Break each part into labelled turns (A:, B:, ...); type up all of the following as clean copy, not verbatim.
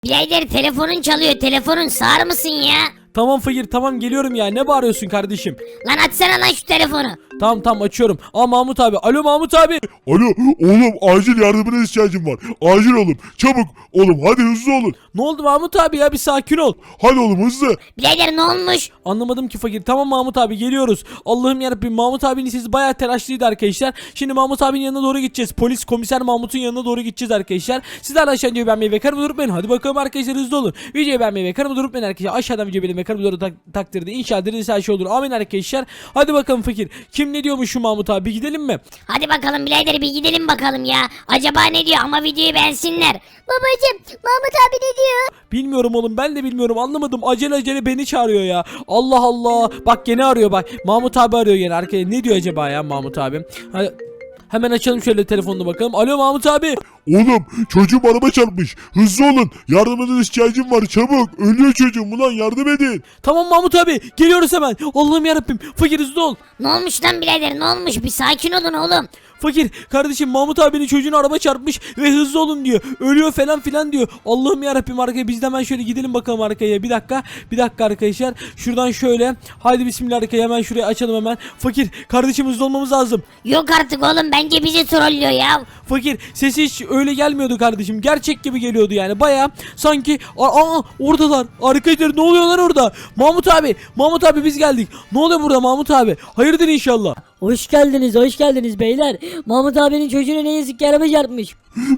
A: Birader telefonun çalıyor. Telefonun sağır mısın ya?
B: Tamam fakir tamam geliyorum ya, ne bağırıyorsun kardeşim?
A: Lan açsana lan şu telefonu.
B: Tamam açıyorum. Aa Mahmut abi. Alo Mahmut abi.
C: Alo oğlum, acil yardımına ihtiyacım var. Acil oğlum, çabuk oğlum, hadi hızlı olun.
B: Ne oldu Mahmut abi ya, bir sakin ol.
C: Hadi oğlum hızlı.
A: Birader ne olmuş?
B: Anlamadım ki fakir. Tamam Mahmut abi geliyoruz. Allah'ım yarabbim, Mahmut abinin sesi bayağı telaşlıydı arkadaşlar. Şimdi Mahmut abinin yanına doğru gideceğiz. Polis komiser Mahmut'un yanına doğru gideceğiz arkadaşlar. Sizler de aşağıdan videoyu beğenmeyi ve kanalıma durup hadi bakalım arkadaşlar, hızlı olun. Videoyu beğenmeyi ve kanalıma durup arkadaşlar. Aşağıdan videoyu beğenmeyi ve kanalıma durup takdirde inşallah dediğiniz her şey olur. Amin arkadaşlar. Hadi bakalım fakir. Kim ne diyormuş şu Mahmut abi, bir gidelim mi?
A: Hadi bakalım birader, bir gidelim bakalım ya. Acaba ne diyor, ama videoyu beğensinler. Babacım Mahmut abi ne diyor?
B: Bilmiyorum oğlum, ben de bilmiyorum, anlamadım. Acele beni çağırıyor ya. Allah Allah. Bak gene arıyor bak. Mahmut abi arıyor gene arkaya. Ne diyor acaba ya Mahmut abi? Hadi. Hemen açalım şöyle telefonunu bakalım. Alo Mahmut abi.
C: Oğlum çocuğum araba çarpmış. Hızlı olun. Yardımına ihtiyacım var, çabuk. Ölüyor çocuğum, ulan yardım edin.
B: Tamam Mahmut abi. Geliyoruz hemen. Allah'ım yarabbim. Fakir hızlı ol.
A: Ne olmuş lan birader, ne olmuş? Bir sakin olun oğlum.
B: Fakir kardeşim, Mahmut abinin çocuğunu araba çarpmış ve hızlı olun diyor. Ölüyor falan filan diyor. Allah'ım yarabbim, arkaya biz de hemen şöyle gidelim bakalım arkaya. Bir dakika arkadaşlar. Şuradan şöyle. Haydi bismillah, arkaya hemen şuraya açalım hemen. Fakir kardeşim, hızlı olmamız lazım.
A: Yok artık oğlum, bence bizi trollüyor ya.
B: Fakir sesi hiç öyle gelmiyordu kardeşim. Gerçek gibi geliyordu yani. Baya sanki oradalar. Arkadaşlar ne oluyorlar orada? Mahmut abi biz geldik. Ne oluyor burada Mahmut abi? Hayırdır inşallah.
D: Hoş geldiniz beyler. Mahmut abinin çocuğuna ne yazık ki araba çarpmış.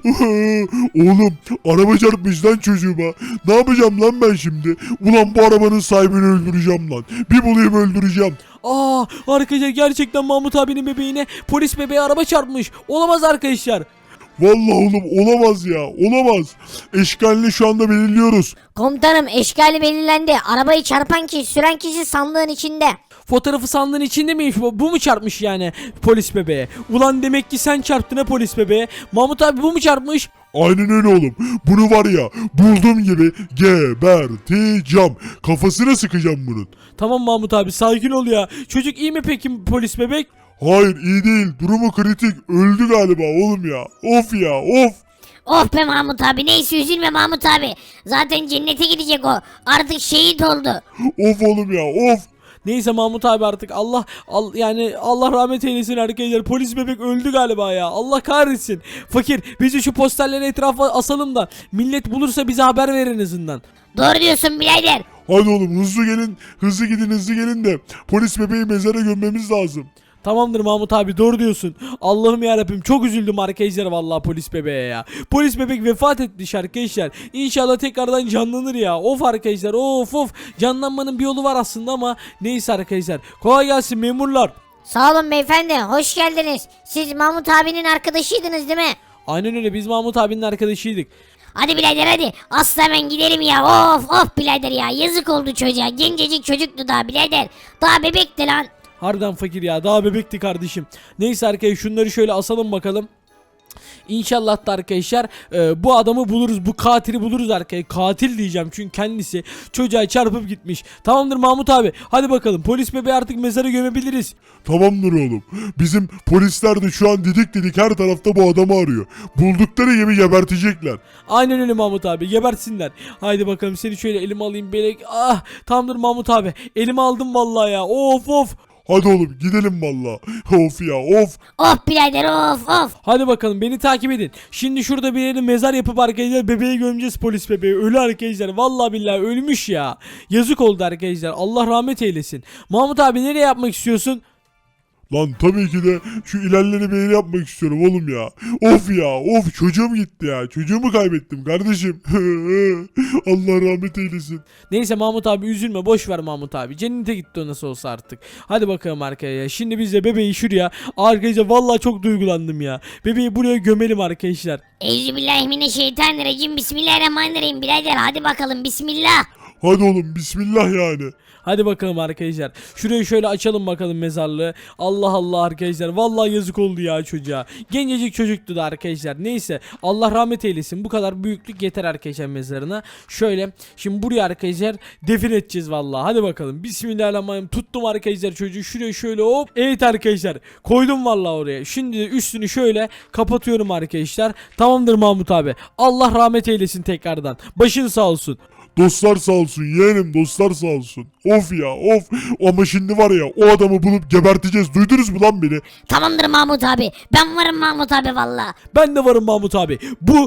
C: Oğlum araba çarpmış lan çocuğuma. Ne yapacağım lan ben şimdi? Ulan bu arabanın sahibini öldüreceğim lan. Bir bulayım öldüreceğim.
B: Arkadaşlar gerçekten Mahmut abinin bebeğine polis bebeği araba çarpmış. Olamaz arkadaşlar.
C: Vallahi oğlum olamaz ya, olamaz. Eşkalini şu anda belirliyoruz.
A: Komutanım, eşkali belirlendi. Arabayı çarpan kişi, süren kişi sandığın içinde.
B: Fotoğrafı sandığın içinde miymiş bu? Bu mu çarpmış yani polis bebeğe? Ulan demek ki sen çarptın ha polis bebeğe. Mahmut abi bu mu çarpmış?
C: Aynen öyle oğlum. Bunu var ya, bulduğum gibi geberteceğim. Kafasına sıkacağım bunun.
B: Tamam Mahmut abi sakin ol ya. Çocuk iyi mi peki polis bebek?
C: Hayır, iyi değil. Durumu kritik. Öldü galiba oğlum ya. Of ya, of.
A: Of be Mahmut abi, neyse üzülme Mahmut abi. Zaten cennete gidecek o. Artık şehit oldu.
C: Of oğlum ya, of.
B: Neyse Mahmut abi artık yani Allah rahmet eylesin arkadaşlar. Polis bebek öldü galiba ya. Allah kahretsin. Fakir bizi şu posterleri etrafa asalım da millet bulursa bize haber verin en azından.
A: Doğru diyorsun birader.
C: Hadi oğlum hızlı gelin. Hızlı gidin, hızlı gelin de polis bebeği mezara gömmemiz lazım.
B: Tamamdır Mahmut abi, doğru diyorsun. Allah'ım yarabbim, çok üzüldüm arkadaşlar vallahi polis bebeğe ya. Polis bebek vefat etmiş arkadaşlar. İnşallah tekrardan canlanır ya. Of arkadaşlar, of. Canlanmanın bir yolu var aslında ama neyse arkadaşlar. Kolay gelsin memurlar.
A: Sağ olun beyefendi, hoş geldiniz. Siz Mahmut abinin arkadaşıydınız değil mi?
B: Aynen öyle, biz Mahmut abinin arkadaşıydık.
A: Hadi birader hadi. Asla hemen gidelim ya. Of birader ya. Yazık oldu çocuğa. Gencecik çocuktu daha birader. Daha bebekti lan.
B: Harbiden fakir ya, daha bebekti kardeşim. Neyse arkadaşlar, şunları şöyle asalım bakalım. İnşallah da arkadaşlar bu adamı buluruz, bu katili buluruz arkadaşlar. Katil diyeceğim çünkü kendisi çocuğa çarpıp gitmiş. Tamamdır Mahmut abi, hadi bakalım polis bebeği artık mezara gömebiliriz.
C: Tamamdır oğlum. Bizim polisler de şu an didik her tarafta bu adamı arıyor. Buldukları gibi gebertecekler.
B: Aynen öyle Mahmut abi, gebertsinler. Haydi bakalım, seni şöyle elime alayım belek. Tamamdır Mahmut abi, elime aldım vallahi ya. Of.
C: Hadi oğlum gidelim valla. Of ya, of.
A: Of birader of.
B: Hadi bakalım, beni takip edin. Şimdi şurada bir yere mezar yapıp arkadaşlar bebeği gömeceğiz, polis bebeği. Ölü arkadaşlar, vallahi billahi ölmüş ya. Yazık oldu arkadaşlar, Allah rahmet eylesin. Mahmut abi nereye yapmak istiyorsun?
C: Lan tabii ki de şu ilerleri bir yere yapmak istiyorum oğlum ya. Of ya, of, çocuğum gitti ya. Çocuğumu kaybettim kardeşim. Allah rahmet eylesin.
B: Neyse Mahmut abi üzülme, boş ver Mahmut abi. Cennete gitti o nasıl olsa artık. Hadi bakalım arkaya. Şimdi biz de bebeği şuraya. Arkadaşlar vallahi çok duygulandım ya. Bebeği buraya gömelim arkadaşlar.
A: Euzubillahimineşşeytanirracim. Bismillahirrahmanirrahim birader. Hadi bakalım bismillah.
C: Hadi oğlum bismillah yani.
B: Hadi bakalım arkadaşlar. Şurayı şöyle açalım bakalım mezarlığı. Allah Allah arkadaşlar. Vallahi yazık oldu ya çocuğa. Gencecik çocuktu da arkadaşlar. Neyse Allah rahmet eylesin. Bu kadar büyüklük yeter arkadaşlar mezarına. Şöyle şimdi buraya arkadaşlar defin edeceğiz vallahi. Hadi bakalım. Bismillahirrahmanirrahim. Tuttum arkadaşlar çocuğu. Şuraya şöyle hop. Evet arkadaşlar. Koydum vallahi oraya. Şimdi de üstünü şöyle kapatıyorum arkadaşlar. Tamamdır Mahmut abi. Allah rahmet eylesin tekrardan. Başın sağ olsun.
C: Dostlar sağ olsun yeğenim, dostlar sağ olsun. Of ya of. Ama şimdi var ya, o adamı bulup geberteceğiz. Duydunuz mu lan beni?
A: Tamamdır Mahmut abi. Ben varım Mahmut abi valla.
B: Ben de varım Mahmut abi.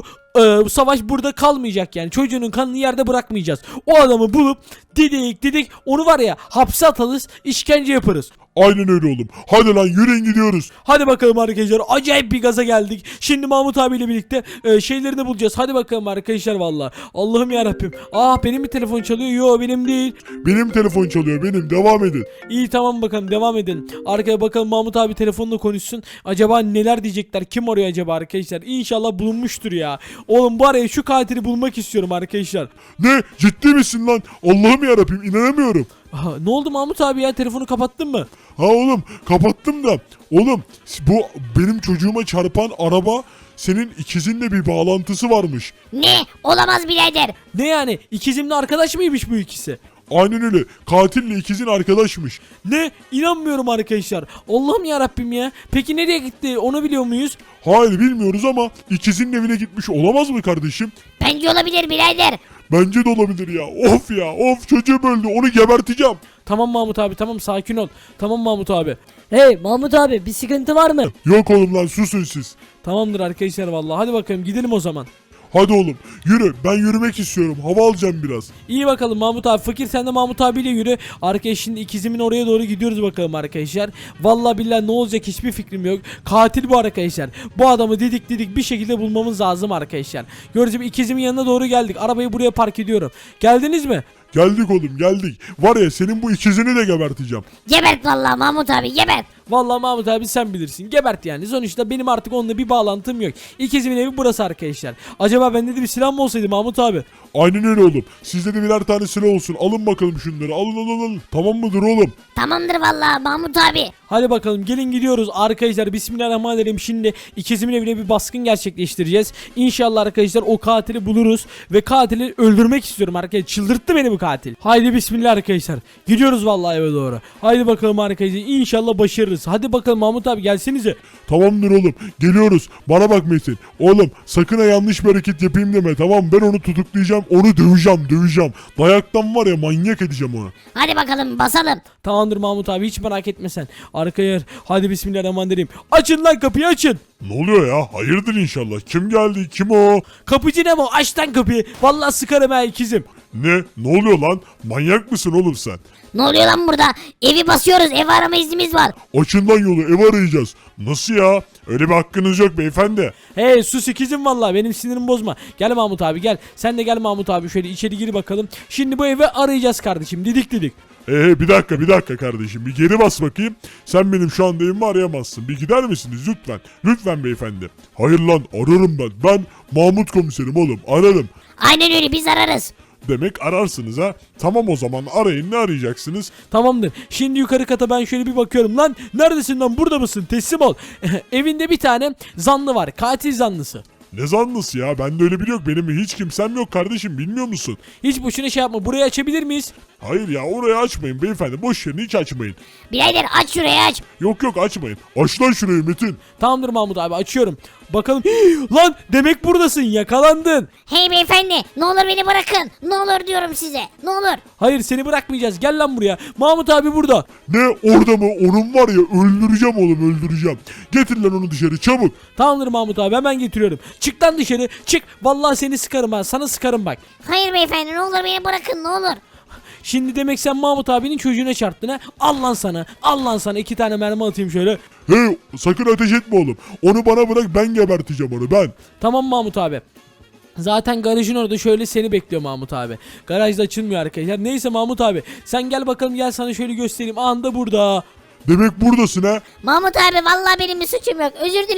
B: Bu savaş burada kalmayacak yani. Çocuğunun kanını yerde bırakmayacağız. O adamı bulup didik onu var ya hapse atarız, işkence yaparız.
C: Aynen öyle oğlum. Hadi lan yürüyün gidiyoruz.
B: Hadi bakalım arkadaşlar. Acayip bir gaza geldik. Şimdi Mahmut abiyle birlikte şeylerini bulacağız. Hadi bakalım arkadaşlar valla. Allah'ım yarabbim. Benim bir telefon çalıyor. Yo benim değil.
C: Benim telefon çalıyor, benim. Devam edin.
B: İyi tamam bakalım devam edin. Arkaya bakalım Mahmut abi telefonla konuşsun. Acaba neler diyecekler? Kim arıyor acaba arkadaşlar? İnşallah bulunmuştur ya. Oğlum bu araya şu katili bulmak istiyorum arkadaşlar.
C: Ne? Ciddi misin lan? Allah'ım yarabbim, inanamıyorum.
B: Ne oldu Mahmut abi ya? Telefonu kapattın mı?
C: Ha oğlum, kapattım da. Oğlum bu benim çocuğuma çarpan araba, senin ikizinle bir bağlantısı varmış.
A: Ne? Olamaz birader.
B: Ne yani? İkizimle arkadaş mıymış bu ikisi?
C: Aynen öyle. Katille ikizin arkadaşmış.
B: Ne? İnanmıyorum arkadaşlar. Allah'ım ya Rabbim ya. Peki nereye gitti? Onu biliyor muyuz?
C: Hayır bilmiyoruz ama ikizinin evine gitmiş olamaz mı kardeşim?
A: Bence olabilir birader.
C: Bence de olabilir ya. Of ya of, çocuğum öldü, onu geberteceğim.
B: Tamam Mahmut abi tamam sakin ol. Tamam Mahmut abi.
D: Hey Mahmut abi bir sıkıntı var mı?
C: Yok oğlum lan, susun siz.
B: Tamamdır arkadaşlar vallahi. Hadi bakalım gidelim o zaman.
C: Hadi oğlum yürü, ben yürümek istiyorum, hava alacağım biraz.
B: İyi bakalım Mahmut abi. Fakir sen de Mahmut abiyle yürü. Arkadaşlar şimdi ikizimin oraya doğru gidiyoruz bakalım arkadaşlar. Vallahi billahi ne olacak hiçbir fikrim yok. Katil bu arkadaşlar. Bu adamı didik bir şekilde bulmamız lazım arkadaşlar. Gördüğünüz gibi ikizimin yanına doğru geldik. Arabayı buraya park ediyorum. Geldiniz mi?
C: Geldik oğlum geldik. Var ya, senin bu ikizini de geberteceğim.
A: Gebert valla Mahmut abi gebert.
B: Vallahi Mahmut abi sen bilirsin. Gebert yani. Sonuçta benim artık onunla bir bağlantım yok. İkizimin evi burası arkadaşlar. Acaba bende de bir silah mı olsaydı Mahmut abi?
C: Aynen öyle oğlum. Sizde de birer tane silah olsun. Alın bakalım şunları. Alın. Tamam mıdır oğlum?
A: Tamamdır valla Mahmut abi.
B: Hadi bakalım gelin gidiyoruz arkadaşlar. Bismillahirrahmanirrahim. Şimdi ikizimin evine bir baskın gerçekleştireceğiz. İnşallah arkadaşlar o katili buluruz. Ve katili öldürmek istiyorum arkadaşlar. Çıldırttı beni bu katil. Haydi bismillah arkadaşlar. Gidiyoruz vallahi eve doğru. Haydi bakalım arkadaşlar. İnşallah başarırız. Hadi bakalım Mahmut abi gelsenize.
C: Tamamdır oğlum. Geliyoruz. Bana bak Metin. Oğlum sakın ha yanlış bir hareket yapayım deme. Tamam, ben onu tutuklayacağım. Onu döveceğim. Dayaktan var ya, manyak edeceğim onu.
A: Hadi bakalım basalım.
B: Tamamdır Mahmut abi hiç merak etme sen. Arkaya hadi bismillahirrahmanirrahim. Açın lan kapıyı açın.
C: Ne oluyor ya? Hayırdır inşallah. Kim geldi? Kim o?
B: Kapıcı ne bu? Aç lan kapıyı. Vallahi sıkarım ha ikizim.
C: Ne oluyor lan? Manyak mısın oğlum sen?
A: Ne oluyor lan burada? Evi basıyoruz. Ev arama iznimiz var.
C: Açın lan yolu, ev arayacağız. Nasıl ya? Öyle bir hakkınız yok beyefendi.
B: Hey sus ikizim vallahi benim sinirimi bozma. Gel Mahmut abi gel. Sen de gel Mahmut abi şöyle içeri gir bakalım. Şimdi bu evi arayacağız kardeşim. Didik.
C: Bir dakika kardeşim. Bir geri bas bakayım. Sen benim şu anda evimi arayamazsın. Bir gider misiniz lütfen? Lütfen beyefendi. Hayır lan, ararım ben. Ben Mahmut komiserim oğlum, ararım.
A: Aynen öyle biz ararız.
C: Demek ararsınız ha. Tamam o zaman arayın, ne arayacaksınız?
B: Tamamdır. Şimdi yukarı kata ben şöyle bir bakıyorum. Lan neredesin lan, burada mısın? Teslim ol. Evinde bir tane zanlı var. Katil zanlısı.
C: Ne zanlısı ya? Bende öyle biri yok. Benim hiç kimsem yok kardeşim, bilmiyor musun?
B: Hiç boşuna şey yapma. Burayı açabilir miyiz?
C: Hayır ya, orayı açmayın beyefendi. Boş yerini hiç açmayın.
A: Birader aç şurayı aç.
C: Yok açmayın. Aç lan şurayı Metin.
B: Tamamdır Mahmut abi açıyorum. Bakalım. Lan demek buradasın, yakalandın.
A: Hey beyefendi ne olur beni bırakın. Ne olur diyorum size. Ne olur.
B: Hayır seni bırakmayacağız, gel lan buraya. Mahmut abi burada.
C: Ne, orada mı? Onun var ya, öldüreceğim oğlum, öldüreceğim. Getir lan onu dışarı çabuk.
B: Tamamdır Mahmut abi hemen getiriyorum. Çık lan dışarı çık. Vallahi seni sıkarım ha, sana sıkarım bak.
A: Hayır beyefendi ne olur beni bırakın ne olur.
B: Şimdi demek sen Mahmut abinin çocuğuna çarptın ha. Al lan sana 2 tane mermi atayım şöyle.
C: Hey, sakın ateş etme oğlum. Onu bana bırak, ben geberteceğim onu, ben.
B: Tamam Mahmut abi. Zaten garajın orada şöyle seni bekliyor Mahmut abi. Garajda açılmıyor arkadaşlar. Neyse Mahmut abi sen gel bakalım, gel sana şöyle göstereyim. Anda burada.
C: Demek buradasın ha.
A: Mahmut abi vallahi benim bir suçum yok. Özür dilerim.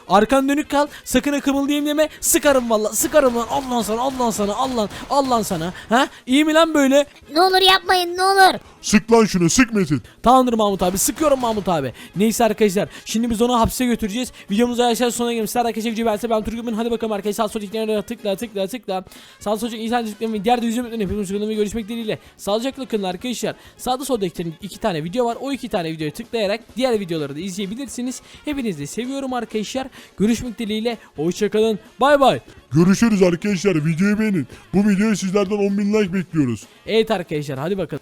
B: Arkan dönük kal. Sakın ha kımıldayayım deme. Sıkarım valla. Sıkarım lan. Allah sana. Allah sana. Allah sana. Ha? İyi mi lan böyle?
A: Ne olur yapmayın ne olur.
C: Sık lan şunu, sık Metin.
B: Tamamdır Mahmut abi. Sıkıyorum Mahmut abi. Neyse arkadaşlar. Şimdi biz onu hapse götüreceğiz. Videomuza aşağı sonuna gelmişler. Arkadaşlar video beğense ben Turgut'un. Hadi bakalım arkadaşlar. Sağ sol tıklayana tıkla. Sağ sol insan tıklamayı diğer de yüzümden hepimiz görüşmek dileğiyle. Sağlıcakla kalın arkadaşlar. Sağda solda iki tane video var. O iki tane videoyu tıklayarak diğer videoları da izleyebilirsiniz. Hepinizi de seviyorum arkadaşlar. Görüşmek dileğiyle. Hoşçakalın. Bay bay.
C: Görüşürüz arkadaşlar. Videoyu beğenin. Bu videoya sizlerden 10.000 like bekliyoruz.
B: Evet arkadaşlar hadi bakalım.